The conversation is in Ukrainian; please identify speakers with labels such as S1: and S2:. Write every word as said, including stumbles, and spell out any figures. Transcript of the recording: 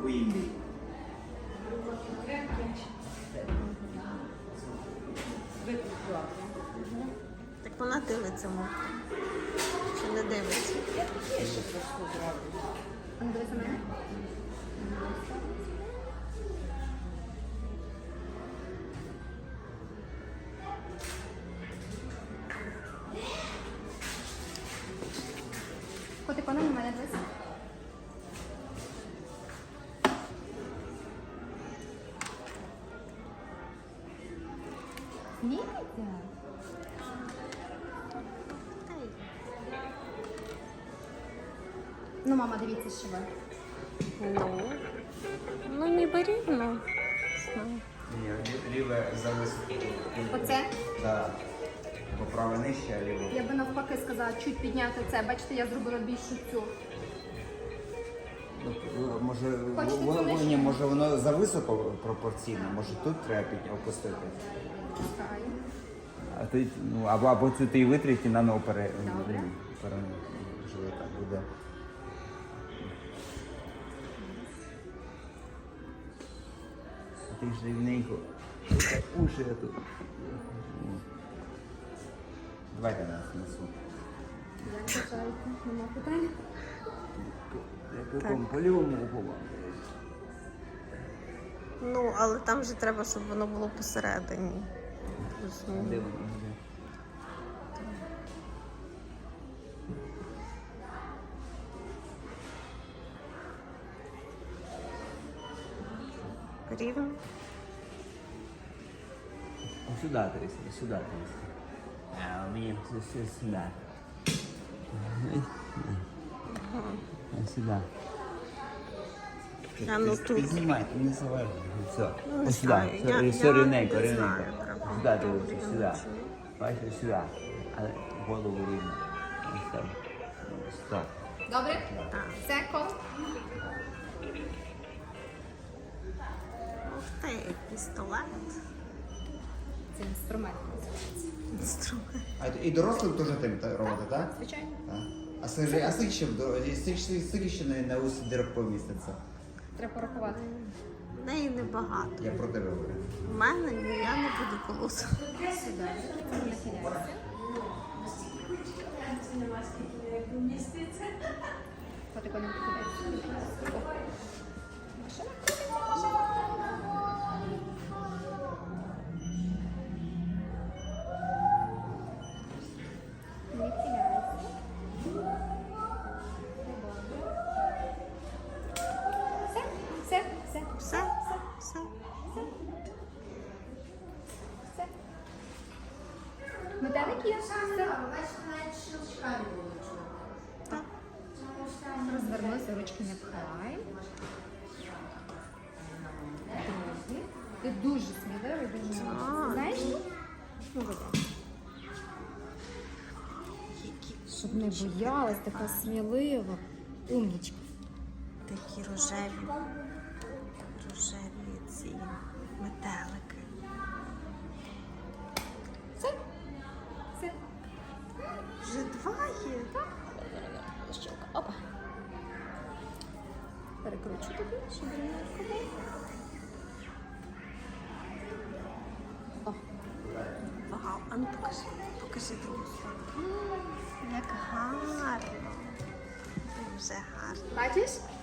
S1: quindi
S2: Так вона дивиться, мовка. Чи не дивиться?
S3: А ну дивись на мене. Котик, вона на мене дивись. Сміється? Ну, мама, дивіться, що ви.
S2: Ну, ну ніби рівно. Знаю.
S1: ні, ліве зависоко.
S3: Оце?
S1: Так. Бо праве нижче, а ліве.
S3: Я би навпаки сказала, чуть підняти це. Бачите, я зробила більшу цю.
S1: Ну, може,
S3: Хочете
S1: во-
S3: цю
S1: во-
S3: нижче?
S1: ні, може воно зависоко пропорційно, може тут треба під- опустити.
S3: Пускаю.
S1: А ти, ну, або, або цю ти і витрить і наново пере...
S3: Добре.
S1: ну, пере... живота буде. Ти ж рівненько. Уші я тут. Давайте нас несу.
S3: Як бажаєте? Нема питань?
S1: Як якому по лівому уху.
S2: Ну, але там же треба, щоб воно було посередині. Плюс-мінус.
S1: Де воно? Де?
S2: Рівно.
S1: Ось сюди трясти, сюди трясти. А у мене все, все сюди. А сюди.
S2: А ну тут.
S1: Піднімай, не заважай. Все.
S2: Ну, не
S1: Ось сюди.
S2: знаю,
S1: Все,
S2: я-
S1: все
S2: я
S1: рівненько,
S2: не
S1: рівненько.
S2: знаю, треба.
S1: Сюди дивися, сюди. Бачиш, сюди. Але голову рівно. Ось так. Ось так.
S3: Добре?
S2: Так.
S3: Секунд.
S2: Ух ти, пістолет.
S3: Це інструмент називається.
S2: Інструмент.
S1: А і дорослим теж тим робити, так?
S3: Звичайно.
S1: Так. А скажи, а скільки ще в дорозі, скільки ще на, на усі дирок поміститься?
S3: Треба порахувати.
S2: В неї небагато.
S1: Я про тебе говорю.
S2: У мене ні, я не буду колоти.
S3: Сюди. Нахиляйся. Котик, не нахиляйся. О. Машина. Нахиляйся. Все, все, все,
S2: Все, все.
S3: все. Метелик є? Все.
S2: Так.
S3: Розвернуся, ручки не пхай. Друзі. Ти дуже сміливий, дуже молодець. Знаєш? Молодець. Щоб не боялась, така смілива. Умнічка.
S2: Такі рожеві. Рожеві ці метелики.
S3: Все. Все.
S2: Вже два є.
S3: Щелка. Опа. Перекручу тобі, щоб рівненько було. О,
S2: Вау, а ну покажи, покажи другу сторону. Як гарно. Дуже гарно.
S3: бачиш?